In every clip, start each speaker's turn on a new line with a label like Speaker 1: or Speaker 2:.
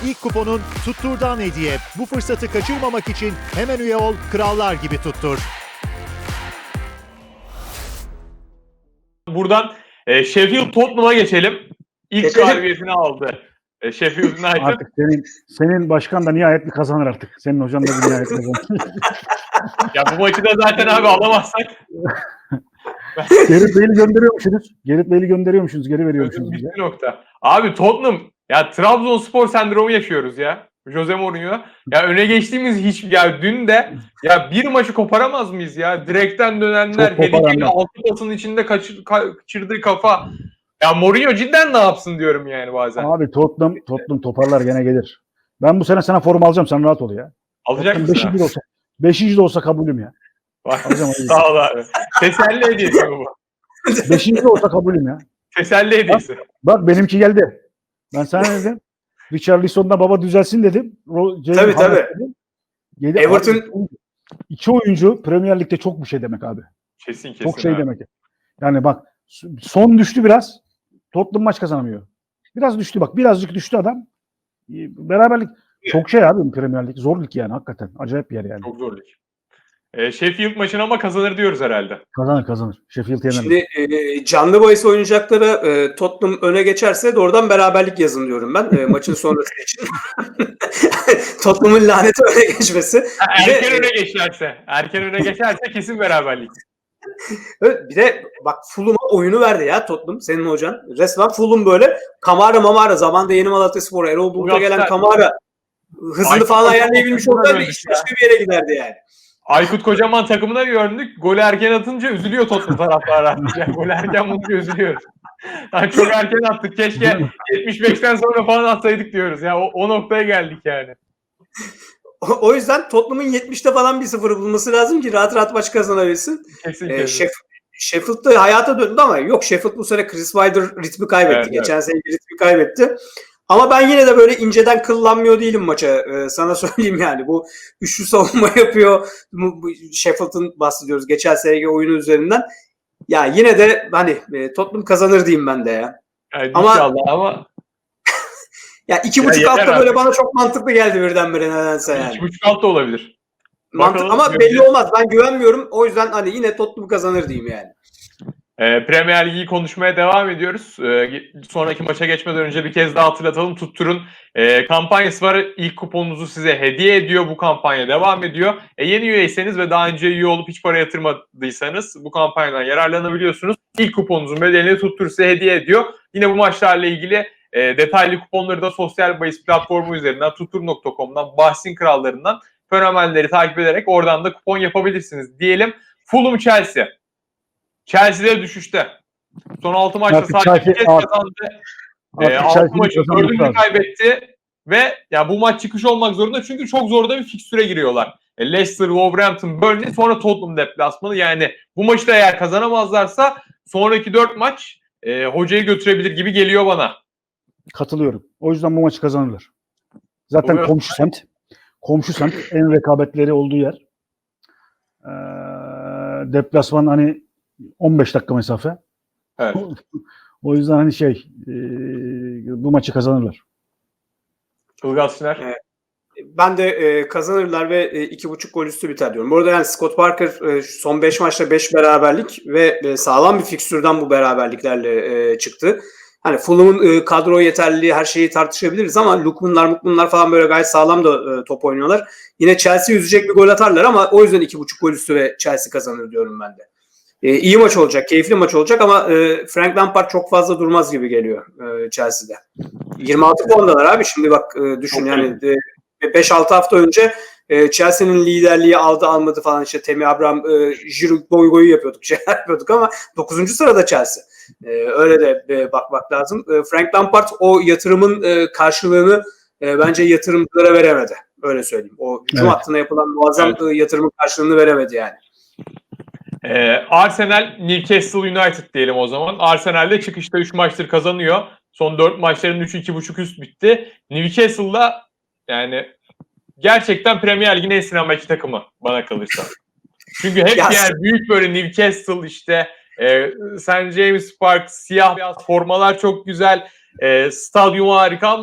Speaker 1: ilk kuponun Tuttur'dan hediye. Bu fırsatı kaçırmamak için hemen üye ol, krallar gibi tuttur.
Speaker 2: Buradan Sheffield Tottenham'a geçelim. İlk galibiyetini aldı. Sheffield United.
Speaker 3: Artık senin başkan da nihayet bir kazanır artık. Senin hocan da bir nihayet kazanır.
Speaker 2: Ya bu maçı da zaten abi alamazsak.
Speaker 3: Gerrit Bale'i gönderiyormuşsunuz. Gerrit Bale'i gönderiyormuşsunuz. Geri veriyormuşsunuz.
Speaker 2: Bitti nokta. Abi Tottenham ya Trabzonspor sendromu yaşıyoruz ya. Jose Mourinho. Ya öne geçtiğimiz dün de ya bir maçı koparamaz mıyız ya? Direkten dönenler, Harry altı pasın içinde kaçırdığı kafa. Ya Mourinho cidden ne yapsın diyorum yani bazen.
Speaker 3: Abi Tottenham toparlar gene gelir. Ben bu sene sana form alacağım. Sen rahat ol ya.
Speaker 2: Alacak mısın?
Speaker 3: 5. de olsa kabulüm ya.
Speaker 2: Sağ ol abi. Teselli hediyesi bu.
Speaker 3: 5. de olsa kabulüm ya.
Speaker 2: Teselli hediyesi.
Speaker 3: Bak benimki geldi. Ben sana ne dedim? Richarlison'da baba düzelsin dedim.
Speaker 4: Tabii.
Speaker 3: Everton 2 oyuncu Premier Lig'de çok bir şey demek abi.
Speaker 2: Kesin.
Speaker 3: Çok şey demek. Yani bak son düştü biraz. Tottenham maç kazanamıyor. Biraz düştü bak. Birazcık düştü adam. Beraberlik çok şey abi Premier Lig. Zor lig yani hakikaten. Acayip bir yer yani.
Speaker 2: Çok zor lig. Sheffield maçını ama kazanır diyoruz herhalde.
Speaker 3: Kazanır. Sheffield yener.
Speaker 4: Şimdi canlı bahis oynayacaklara Tottenham öne geçerse doğrudan beraberlik yazın diyorum ben maçın sonrası için. Tottenham'ın laneti öne geçmesi.
Speaker 2: Erken öne geçerse kesin beraberlik.
Speaker 4: Bir de bak Fulham'a oyunu verdi ya Tottenham senin hocan. Resmen Fulham böyle Kamara zamanında Yeni Malatyaspor Erol Bulut'a gelen Kamara hızını falan ayarlayabilmiş olsaydı iş başka bir yere giderdi yani.
Speaker 2: Aykut Kocaman takımına bir örnek. Golü erken atınca üzülüyor Tottenham taraftarı. Yani golü erken bulunca üzülüyoruz. Yani çok erken attık. Keşke 75'ten sonra falan atsaydık diyoruz. Ya o noktaya geldik yani.
Speaker 4: O yüzden Tottenham'ın 70'te falan bir sıfırı bulması lazım ki rahat maç kazanabilsin.
Speaker 2: Kesin.
Speaker 4: Sheffield'da hayata döndü ama yok Sheffield bu sene Chris Wilder ritmi kaybetti.
Speaker 2: Evet,
Speaker 4: Geçen sene ritmi kaybetti. Ama ben yine de böyle inceden kıllanmıyor değilim maça. Sana söyleyeyim yani. Bu üçlü savunma yapıyor. Sheffield'ın bahsediyoruz. Geçen seneki oyunu üzerinden. Ya yine de hani Tottenham kazanır diyeyim ben de ya.
Speaker 2: Yani ama
Speaker 4: ya 2.5 altta böyle bana çok mantıklı geldi birdenbire nedense yani.
Speaker 2: 2.5 alt da olabilir.
Speaker 4: Mantık ama belli olmaz. Ben güvenmiyorum. O yüzden hani yine Tottenham kazanır diyeyim yani.
Speaker 2: Premier Lig'i konuşmaya devam ediyoruz. Sonraki maça geçmeden önce bir kez daha hatırlatalım. Tuttur'un kampanyası var. İlk kuponunuzu size hediye ediyor. Bu kampanya devam ediyor. Yeni üyeyseniz ve daha önce üye olup hiç para yatırmadıysanız bu kampanyadan yararlanabiliyorsunuz. İlk kuponunuzun bedelini Tuttur size hediye ediyor. Yine bu maçlarla ilgili detaylı kuponları da sosyal bahis platformu üzerinden tuttur.com'dan, bahsin krallarından fenomenleri takip ederek oradan da kupon yapabilirsiniz diyelim. Fulham Chelsea. Chelsea'de düşüşte. Son 6 maçta sadece bir kez kazandı. 6 maçı 4'ünü kaybetti. Ve ya bu maç çıkış olmak zorunda çünkü çok zor da bir fikstüre giriyorlar. Leicester, Wolverhampton, Burnley sonra Tottenham deplasmanı. Yani bu maçı da eğer kazanamazlarsa sonraki 4 maç hocayı götürebilir gibi geliyor bana.
Speaker 3: Katılıyorum. O yüzden bu maçı kazanırlar. Zaten komşu semt en rekabetleri olduğu yer. Deplasman hani 15 dakika mesafe.
Speaker 2: Evet.
Speaker 3: O yüzden hani bu maçı kazanırlar.
Speaker 2: Ilgaz Şener.
Speaker 4: Ben de kazanırlar ve 2.5 gol üstü biter diyorum. Bu arada yani Scott Parker son 5 maçta 5 beraberlik ve sağlam bir fikstürden bu beraberliklerle çıktı. Hani Fulham'ın kadro yeterliliği her şeyi tartışabiliriz ama Lukmanlar falan böyle gayet sağlam da top oynuyorlar. Yine Chelsea üzecek bir gol atarlar ama o yüzden 2.5 gol üstü ve Chelsea kazanır diyorum ben de. İyi maç olacak, keyifli maç olacak ama Frank Lampard çok fazla durmaz gibi geliyor Chelsea'de. 26 puandalar abi şimdi bak düşün yani 5-6 hafta önce Chelsea'nin liderliği almadı falan işte Temi Abraham, Giroud boyu yapıyorduk ama 9. sırada Chelsea. Öyle de bakmak lazım. Frank Lampard o yatırımın karşılığını bence yatırımcılara veremedi. Öyle söyleyeyim. O hücum hattına yapılan muazzam yatırımın karşılığını veremedi yani.
Speaker 2: Arsenal Newcastle United diyelim o zaman. Arsenal de çıkışta 3 maçtır kazanıyor. Son 4 maçların 3'ü 2.5 üst bitti. Newcastle'la yani gerçekten Premier Lig'in en sinemaki takımı bana kalırsa. Çünkü hep yani büyük böyle Newcastle işte St. James Park, siyah beyaz formalar çok güzel. Stadyum harika ama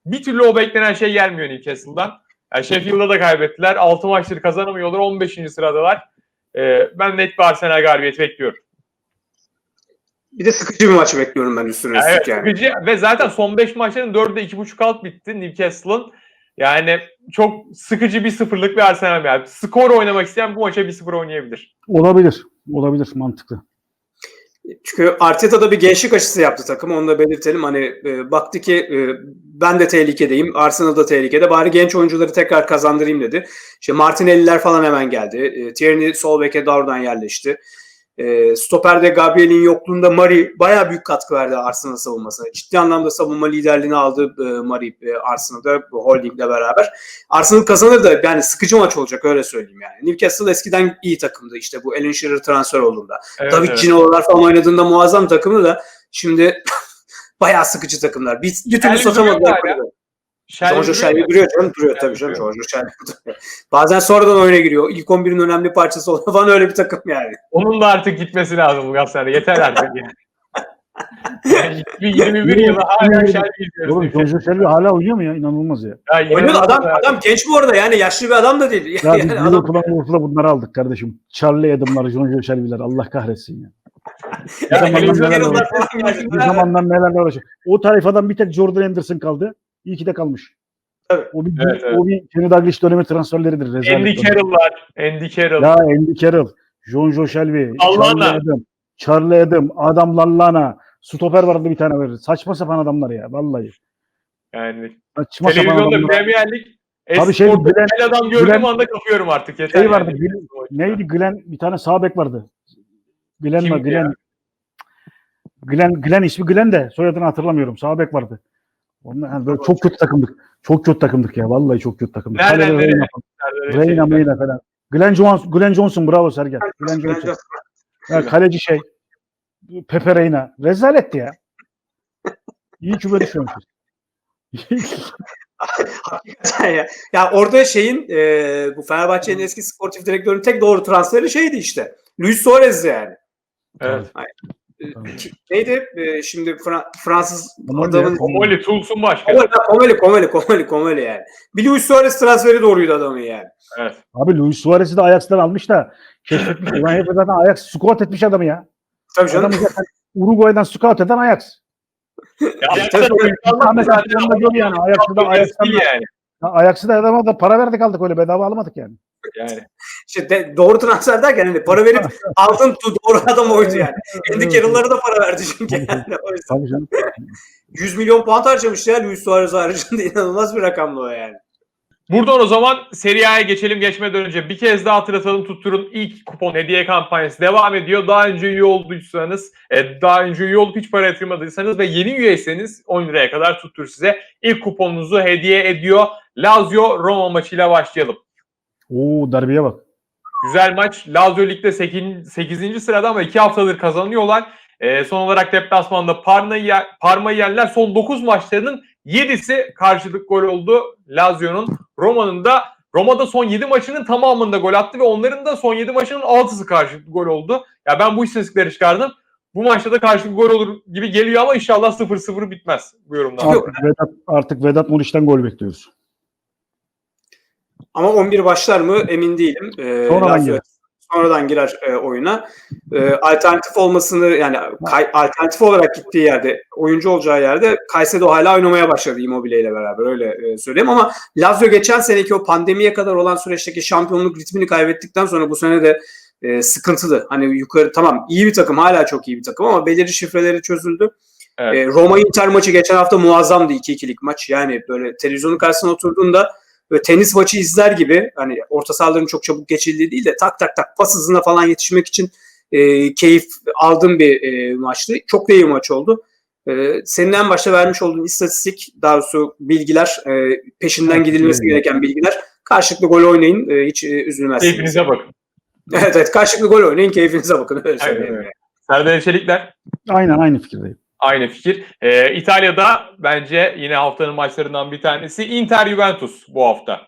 Speaker 2: bir türlü o beklenen şey gelmiyor Newcastle'dan. Yani Sheffield'da da kaybettiler. 6 maçları kazanamıyorlar. 15. sıradalar. Ben net bir Arsenal galibiyeti bekliyorum.
Speaker 4: Bir de sıkıcı bir maç bekliyorum ben üstüne
Speaker 2: Evet,
Speaker 4: üstlük yani.
Speaker 2: sıkıcı ve zaten son 5 maçların 4'de 2.5 alt bitti Newcastle'ın. Yani çok sıkıcı 1-0'lık bir Arsenal yani. Skor oynamak isteyen bu maça 1-0 oynayabilir.
Speaker 3: Olabilir. Olabilir. Mantıklı.
Speaker 4: Çünkü Arteta da bir gençlik aşısı yaptı takım. Onu da belirtelim. Hani baktı ki ben de tehlikedeyim. Arsenal da tehlikede. Bari genç oyuncuları tekrar kazandırayım dedi. İşte Martinelli'ler falan hemen geldi. Tierney sol beke doğrudan yerleşti. Stoper'de Gabriel'in yokluğunda Mari bayağı büyük katkı verdi Arsenal savunmasına. Ciddi anlamda savunma liderliğini aldı Mari Arsenal'da Holding'le beraber. Arsenal kazanır da yani sıkıcı maç olacak öyle söyleyeyim yani. Newcastle eskiden iyi takımdı işte bu Alan Shearer transfer olduğunda.
Speaker 2: Evet,
Speaker 4: David Gino'lar falan oynadığında muazzam takımdı da şimdi bayağı sıkıcı takımlar. Bir türlü
Speaker 2: Shelby
Speaker 4: satamadılar.
Speaker 2: duruyor hala.
Speaker 4: Jojo Shelby duruyor canım. Duruyor tabii canım. Jojo Shelby duruyor. Bazen sonradan oyuna giriyor. İlk 11'in önemli parçası oluyor falan öyle bir takım yani.
Speaker 2: Onun da artık gitmesi lazım bu Galatasaray'da. Yeter artık yani. Yani 21 yılı hala Shelby izliyoruz.
Speaker 3: Oğlum Jojo Shelby hala oynuyor mu ya? İnanılmaz ya.
Speaker 4: Oynuyor da adam genç bu arada yani yaşlı bir adam da değil.
Speaker 3: Ya biz
Speaker 4: Yani adam
Speaker 3: Liverpool'a bunları aldık kardeşim. Charlie Adam'lar, Jojo Shelby'ler. Allah kahretsin ya.
Speaker 2: Yani
Speaker 3: Bir zamandan nelerle uğraşıyor. O tayfadan bir tek Jordan Henderson kaldı. İyi ki de kalmış.
Speaker 4: Evet.
Speaker 3: O bir Kenny Dalglish dönemi transferleridir.
Speaker 2: Andy Carroll'lar. Andy Carroll.
Speaker 3: Ya Andy Carroll, Jojo Shelby, Charlie Adam, Adam Lallana, stoper vardı bir tane verir. Saçma sapan adamlar ya vallahi.
Speaker 2: Yani
Speaker 3: Saçma sapan
Speaker 2: televizyonda
Speaker 3: adamlar.
Speaker 2: Premier Lig
Speaker 3: Abi
Speaker 2: Glenn adam gördüğüm anda kapıyorum artık. Yeter
Speaker 3: şey vardı.
Speaker 2: yani.
Speaker 3: Neydi Glenn? Bir tane sağ bek vardı. Glenn
Speaker 2: Kimdi
Speaker 3: mi? Glenn ismi Glenn de soyadını hatırlamıyorum. Sağ bek vardı. Onlar yani böyle çok kötü takımdık. Çok kötü takımdık ya. Vallahi çok kötü takımdık.
Speaker 2: Nereden nereye?
Speaker 3: Reyna falan. Glenn Johnson bravo Sergen. Glenn Johnson. Ya, kaleci Pepe Reina. Rezaletti ya. İyi ki böyle düşünmüşüz.
Speaker 4: Hakikaten ya. Ya orada bu Fenerbahçe'nin eski sportif direktörünün tek doğru transferi şeydi işte. Luis Suarez yani.
Speaker 2: Evet.
Speaker 4: Neydi? Şimdi Fransız
Speaker 3: Komoli
Speaker 4: adamın...
Speaker 2: Komoli, Tulsun başkanı.
Speaker 4: Komoli yani. Bir Luis Suarez transferi doğruydu adamın yani.
Speaker 2: Evet.
Speaker 3: Abi Luis Suarez'i de Ajax'tan almış da keşfetmiş. Ulan hep zaten Ajax scout etmiş adamı ya.
Speaker 4: Tabii canım.
Speaker 3: Adamı zaten Uruguay'dan scout eden Ajax. Ajax'ı da adama da para verdik aldık öyle bedava almadık yani.
Speaker 2: Yani.
Speaker 4: İşte doğru transfer derken hani para verip aldın doğru adam oydu yani. Andy Carroll'lara da para verdi çünkü yani.
Speaker 3: Tabii canım.
Speaker 4: 100 milyon pound harcamış ya Luis Suarez haricinde inanılmaz bir rakamlı o yani.
Speaker 2: Buradan o zaman Serie A'ya geçmeden önce bir kez daha hatırlatalım. Tuttur'un ilk kupon hediye kampanyası devam ediyor. Daha önce üye olduysanız, daha önce üye olup hiç para yatırmadıysanız ve yeni üyeyseniz 10 liraya kadar Tuttur size ilk kuponunuzu hediye ediyor. Lazio Roma maçıyla başlayalım.
Speaker 3: Oo derbeye bak.
Speaker 2: Güzel maç. Lazio Lig'de 8. sırada ama 2 haftadır kazanıyorlar. Son olarak deplasmanda Parma'yı yerler. Son 9 maçlarının 7'si karşılık gol oldu Lazio'nun. Roma'da son 7 maçının tamamında gol attı ve onların da son 7 maçının 6'sı karşılık gol oldu. Ya ben bu istatistikleri çıkardım. Bu maçta da karşılık gol olur gibi geliyor ama inşallah 0-0 bitmez bu yorumdan.
Speaker 3: Artık Vedat Muriç'ten gol bekliyoruz.
Speaker 4: Ama 11 başlar mı emin değilim. Sonradan girer oyuna. Alternatif olmasını yani alternatif olarak gittiği yerde, oyuncu olacağı yerde Caicedo hala oynamaya başladı Immobile ile beraber öyle söyleyeyim ama Lazio geçen seneki o pandemiye kadar olan süreçteki şampiyonluk ritmini kaybettikten sonra bu sene de sıkıntılı. Hani yukarı tamam iyi bir takım, hala çok iyi bir takım ama belirli şifreleri çözüldü. Evet. Roma Inter maçı geçen hafta muazzamdı 2-2'lik maç. Yani böyle televizyonun karşısına oturduğunda böyle tenis maçı izler gibi hani orta sahaların çok çabuk geçildiği değil de tak tak tak pas hızına falan yetişmek için keyif aldığım bir maçtı. Çok da iyi maç oldu. Senin en başta vermiş olduğun istatistik, daha doğrusu bilgiler, peşinden gidilmesi gereken bilgiler. Karşılıklı gol oynayın, hiç üzülmezsiniz.
Speaker 2: Keyfinize bakın.
Speaker 4: Evet, karşılıklı gol oynayın, keyfinize bakın. Öyle söyleyeyim.
Speaker 2: Serdar Çelikler.
Speaker 3: Aynen aynı fikirdeyim.
Speaker 2: Aynı fikir. İtalya'da bence yine haftanın maçlarından bir tanesi Inter-Juventus bu hafta.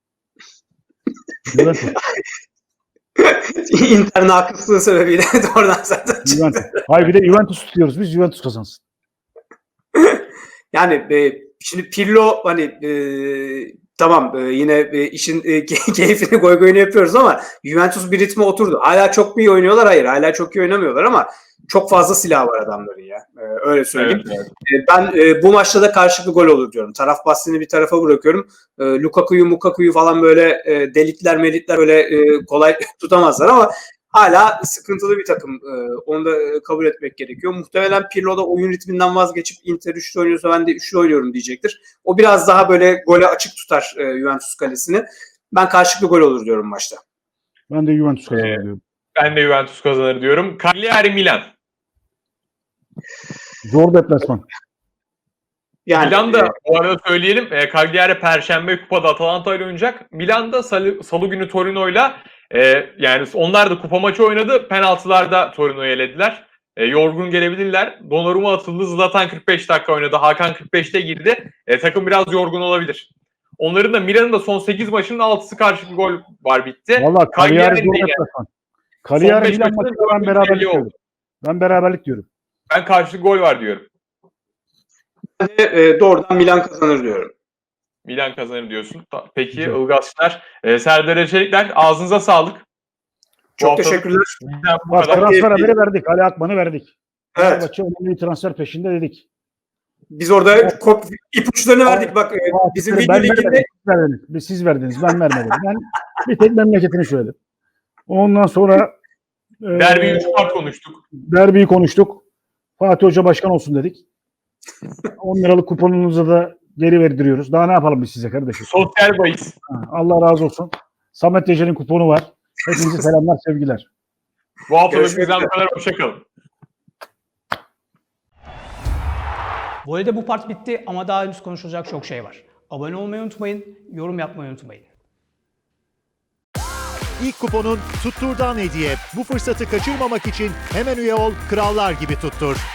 Speaker 4: Inter'in haksızlığı sebebiyle doğrudan zaten
Speaker 3: Hayır bir de Juventus tutuyoruz biz. Juventus kazansın.
Speaker 4: Yani Şimdi Pirlo hani tamam yine işin keyfini goygoyunu yapıyoruz ama Juventus bir ritme oturdu. Hala çok mu iyi oynuyorlar? Hayır. Hala çok iyi oynamıyorlar ama çok fazla silah var adamların ya. Öyle söyleyeyim.
Speaker 2: Evet.
Speaker 4: Ben bu maçta da karşılıklı gol olur diyorum. Taraf bahsini bir tarafa bırakıyorum. Lukaku'yu falan böyle delikler böyle kolay tutamazlar ama hala sıkıntılı bir takım. Onu da kabul etmek gerekiyor. Muhtemelen Pirlo da oyun ritminden vazgeçip Inter 3'lü oynuyorsa ben de 3'lü oynuyorum diyecektir. O biraz daha böyle gole açık tutar Juventus kalesini. Ben karşılıklı gol olur diyorum maçta.
Speaker 3: Ben de Juventus kazanır diyorum.
Speaker 2: Ben de Juventus kazanır diyorum. Cagliari Milan.
Speaker 3: Zor deplasman.
Speaker 4: Yani
Speaker 2: Milan'da bu arada söyleyelim. Cagliari Perşembe kupada Atalanta ile oynayacak. Milan'da Salı günü Torino'yla yani onlar da kupa maçı oynadı. Penaltılarda Torino'yu elediler. Yorgun gelebilirler. Donnarumma atıldı. Zlatan 45 dakika oynadı. Hakan 45'te girdi. Takım biraz yorgun olabilir. Onların da Milan'ın da son 8 maçının 6'sı karşılıklı gol var bitti.
Speaker 3: Valla Cagliari zor
Speaker 2: Cagliari'nin de
Speaker 3: deplasman. Cagliari
Speaker 2: beş
Speaker 3: Milan
Speaker 2: maçında
Speaker 3: maçında ben
Speaker 2: dördüncü
Speaker 3: beraberlik
Speaker 2: belli oldu.
Speaker 3: diyorum. Ben beraberlik diyorum.
Speaker 2: Ben karşılıklı gol var diyorum.
Speaker 4: doğrudan Milan kazanır diyorum.
Speaker 2: Milan kazanır diyorsun. Peki
Speaker 3: Güzel.
Speaker 2: Ilgazlar, Serdar Ecelikler ağzınıza sağlık.
Speaker 4: Çok
Speaker 2: haftalık
Speaker 4: teşekkürler.
Speaker 2: bizden bu
Speaker 3: Bak
Speaker 2: kadar.
Speaker 3: transfer haberi verdik. Ali Akman'ı verdik.
Speaker 4: Evet.
Speaker 3: Fenerbahçe önemli bir transfer peşinde dedik.
Speaker 4: Biz orada ipuçlarını verdik. Bak bizim video
Speaker 3: Ben
Speaker 4: liginde
Speaker 3: vermedim, siz verdiniz. Siz verdiniz. Ben vermedim. Ben bir tek memleketini söyledim. Ondan sonra
Speaker 2: Derbi 3 part konuştuk.
Speaker 3: derbiyi konuştuk. Fatih Hoca başkan olsun dedik. 10 liralık kuponunuzu da geri verdiriyoruz. Daha ne yapalım biz size kardeşim?
Speaker 2: Sosyal bahis.
Speaker 3: Allah razı olsun. Samet Ece'nin kuponu var. Hepinize selamlar, sevgiler.
Speaker 2: Bu haftalık
Speaker 4: Görüşmek
Speaker 2: bizden
Speaker 4: üzere.
Speaker 2: bu kadar. Hoşçakalın.
Speaker 5: Voley'de bu part bitti ama daha henüz konuşulacak çok şey var. Abone olmayı unutmayın, yorum yapmayı unutmayın.
Speaker 1: İlk kuponun Tuttur'dan hediye. Bu fırsatı kaçırmamak için hemen üye ol, krallar gibi tuttur.